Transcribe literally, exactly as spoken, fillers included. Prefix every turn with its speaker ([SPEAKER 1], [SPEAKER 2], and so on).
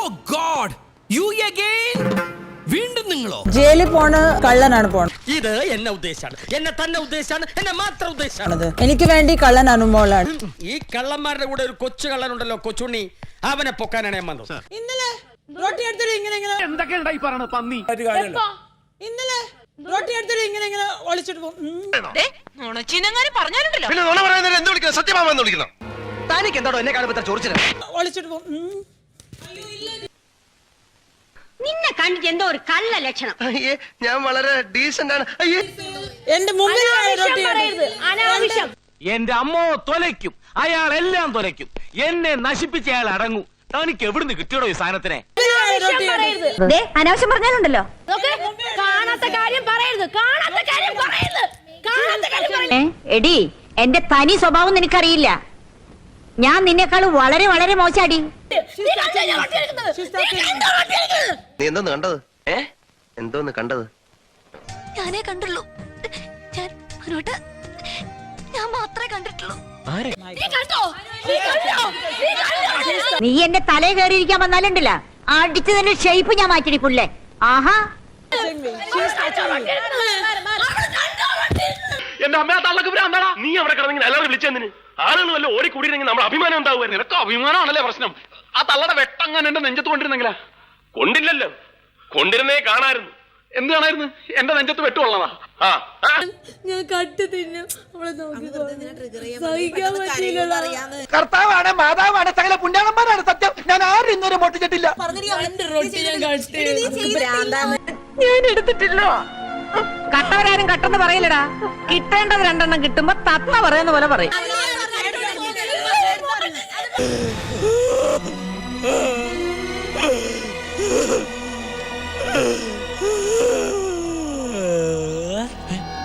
[SPEAKER 1] God, you again? വീണ്ടും നിങ്ങളോ?
[SPEAKER 2] ജയിലിൽ പോണ കള്ളനാണ് പോണത്.
[SPEAKER 3] ഇത് എന്നെ ഉദ്ദേശാണ്, എന്നെ തന്നെ ഉദ്ദേശാണ്, എന്നെ മാത്രം ഉദ്ദേശാണ്.
[SPEAKER 2] എനിക്ക് വേണ്ടി കള്ളൻ അനുമോളാണ്.
[SPEAKER 3] ഈ കള്ളന്മാരുടെ കൂടെ ഒരു കൊച്ചു കള്ളനുണ്ടല്ലോ, കൊച്ചുണ്ണി, അവനെ പൊക്കാനാണ് ഞാൻ വന്നത്.
[SPEAKER 2] ഇന്നലെ റോട്ടി എടുത്തിട്ട് ഇങ്ങനെ ഇങ്ങനെ
[SPEAKER 4] എന്തൊക്കെ ഉണ്ടായി പറയണ പന്നി.
[SPEAKER 2] ഇന്നലെ റോട്ടി എടുത്തിട്ട് ഇങ്ങനെ ഇങ്ങനെ ഒളിച്ചിട്ട് പോകും.
[SPEAKER 3] തനിക്ക് എന്താണോ എന്നെ കാണുമ്പോ ചോദിച്ചത്?
[SPEAKER 2] ഒളിച്ചിട്ട് പോകും.
[SPEAKER 5] നിന്നെ കണ്ടിട്ട് എന്തോ ഒരു കള്ള ലക്ഷണം.
[SPEAKER 6] അയ്യേ, ഞാൻ വളരെ ഡീസന്റ് ആണ്. അയ്യേ,
[SPEAKER 2] എന്റെ മുമ്പിൽ
[SPEAKER 5] അനാവശ്യം.
[SPEAKER 4] എന്റെ അമ്മോ തൊലയ്ക്കും, അയാൾ എല്ലാം തൊലയ്ക്കും. എന്നെ നശിപ്പിച്ച അയാൾ അടങ്ങും. തനിക്ക് എവിടുന്ന് കിട്ടിയോടോ ഈ സാധനത്തിനെ?
[SPEAKER 5] അനാവശ്യം പറഞ്ഞാലുണ്ടല്ലോ. കാണാത്ത കാര്യം പറയരുത്, കാണാത്ത കാര്യം പറയരുത്, കാണാത്ത കാര്യം പറയരുത്. എടി, എന്റെ തനി സ്വഭാവം നിനക്കറിയില്ല. ഞാൻ നിന്നെക്കാൾ വളരെ വളരെ മോശാടി.
[SPEAKER 6] നീ എന്തോന്ന് കണ്ടത്? ഏ എന്തോന്ന് കണ്ടത്?
[SPEAKER 7] ഞാനേ കണ്ടുള്ളൂ. ഞാൻ മനോട്ട് ഞാൻ മാത്രമേ കണ്ടിട്ടുള്ളൂ.
[SPEAKER 5] നീ എന്റെ തലേ കയറിയിരിക്കാൻ വന്നാലുണ്ടല്ല, അടിച്ചു തന്നെ ഷേപ്പ് ഞാൻ മാറ്റിടി പുല്ലേ. ആഹാ,
[SPEAKER 4] എന്റെ അമ്മ തള്ളക്ക് ഭ്രാന്താടാ. നീ അവിടെ കിടന്നെങ്കിൽ എല്ലാവരും വിളിച്ചെന്തിന്? ആളുകൾ വല്ല ഓടിക്കൂടിയിരുന്നെങ്കിൽ നമ്മുടെ അഭിമാനം ഉണ്ടാവുമായിരുന്നു. നിനക്ക് അഭിമാനമാണല്ലേ പ്രശ്നം? ആ തള്ളയുടെ വെട്ടങ്ങാൻ എന്റെ നെഞ്ചത്ത് കൊണ്ടിരുന്നെങ്കിലാ. കൊണ്ടില്ലല്ലോ, കൊണ്ടിരുന്നേ കാണായിരുന്നു. എന്ത് കാണായിരുന്നു? എന്റെ നെഞ്ചത്ത് വെട്ടുകൊള്ളതാ. ആ
[SPEAKER 2] ഞാൻ കട്ട് തിന്നും. സഹിക്കാൻ പറ്റില്ല.
[SPEAKER 8] കർത്താവാണ്, മാതാവാണ്, സകല പുണ്യാളന്മാരാണ് സത്യം. ഞാൻ ആരും ഇന്നുവരെ പൊട്ടിച്ചിട്ടില്ല.
[SPEAKER 5] ഞാൻ എടുത്തിട്ടില്ല. കട്ടവരാരും കട്ടെന്ന് പറയില്ലടാ. കിട്ടേണ്ടത് രണ്ടെണ്ണം കിട്ടുമ്പോ തത്ത പറയുന്ന പോലെ പറയും.